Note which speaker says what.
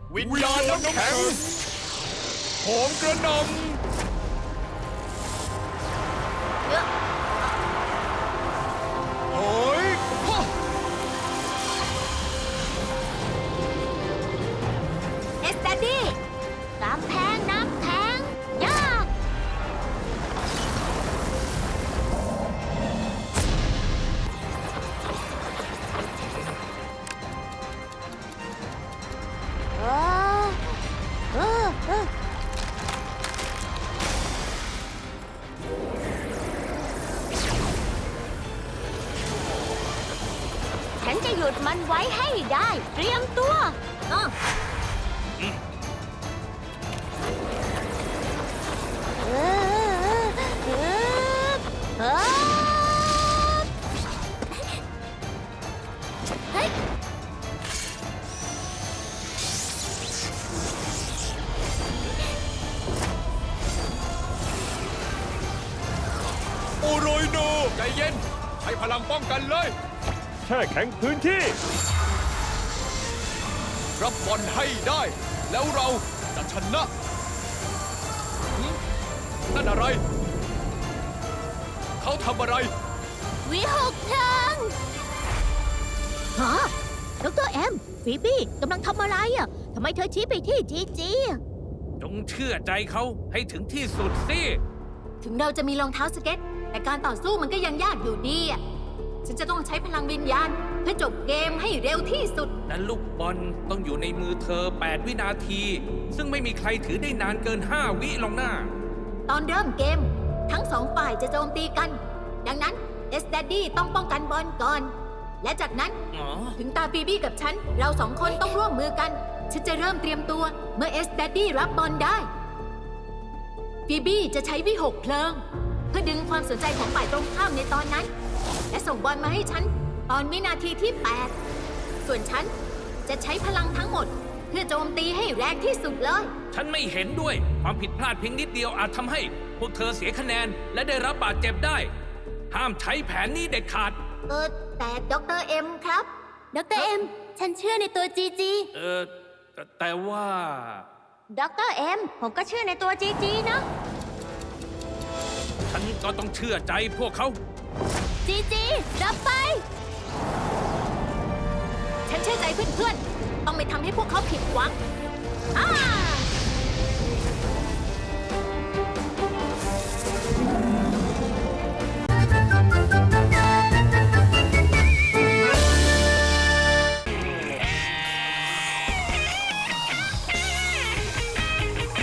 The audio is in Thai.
Speaker 1: วิญญาณน้ำแข็งโหมกระหน่ำโอ้ยฮะ
Speaker 2: เอสแดดดี้กำแพงน้ำแข็งย่าเออเออเออฉันจะหยุดมันไว้ให้ได้ เตรียมตัวเฮ้ย
Speaker 1: โอโรยโนใจเย็นใช้พลังป้องกันเลย
Speaker 3: แช่แข็งพื้นที่
Speaker 1: รับบอลให้ได้ แล้วเราจะชนะหึนั่นอะไร เขาทำอะไร
Speaker 2: วิหกทางฮะดรเอ็มฟีบี้กำลังทำอะไรอ่ะทำไมเธอชี้ไปที่จีจีอ่ะ
Speaker 4: จงเชื่อใจเขาให้ถึงที่สุดสิ
Speaker 2: ถึงเราจะมีรองเท้าสเก็ต แต่การต่อสู้มันก็ยังยากอยู่ดีอ่ะฉันจะต้องใช้พลังวิญญาณเพื่อจบเกมให้เร็วที่สุด
Speaker 4: นั้นลูกบอลต้องอยู่ในมือเธอ 8 วินาที ซึ่งไม่มีใครถือได้นานเกิน 5 วิลงหน้า
Speaker 2: ตอนเริ่มเกม ทั้งสองฝ่ายจะโจมตีกัน ดังนั้นเอสแดดดี้ต้องป้องกันบอลก่อน และจากนั้น
Speaker 4: อ๋อ
Speaker 2: ถึงตาฟีบี้กับฉัน เราสองคนต้องร่วมมือกัน ฉันจะเริ่มเตรียมตัวเมื่อเอสแดดดี้รับบอลได้ ฟีบี้จะใช้วิหกเพลิง เพื่อดึงความสนใจของฝ่ายตรงข้ามในตอนนั้น และส่งบอลมาให้ฉันตอนวินาทีที่ 8 ส่วนฉันจะใช้พลังทั้งหมด เพื่อโจมตีให้แรงที่สุดเลย
Speaker 4: ฉันไม่เห็นด้วย ความผิดพลาดเพียงนิดเดียวอาจทำให้พวกเธอเสียคะแนนและได้รับบาดเจ็บได้ ห้ามใช้แผนนี้เด็ดขาด
Speaker 2: แต่ดรเอ็มครับดรเอ็มฉันเชื่อในตัวจีจี
Speaker 4: แต่ว่า
Speaker 2: ดรเอ็มผมก็เชื่อในตัวจีจีนะ
Speaker 4: ฉันก็ต้องเชื่อใจพวกเขา
Speaker 2: จีจีรับไป ฉันเชื่อใจเพื่อนๆ ต้องไม่ทำให้พวกเขาผิดหวัง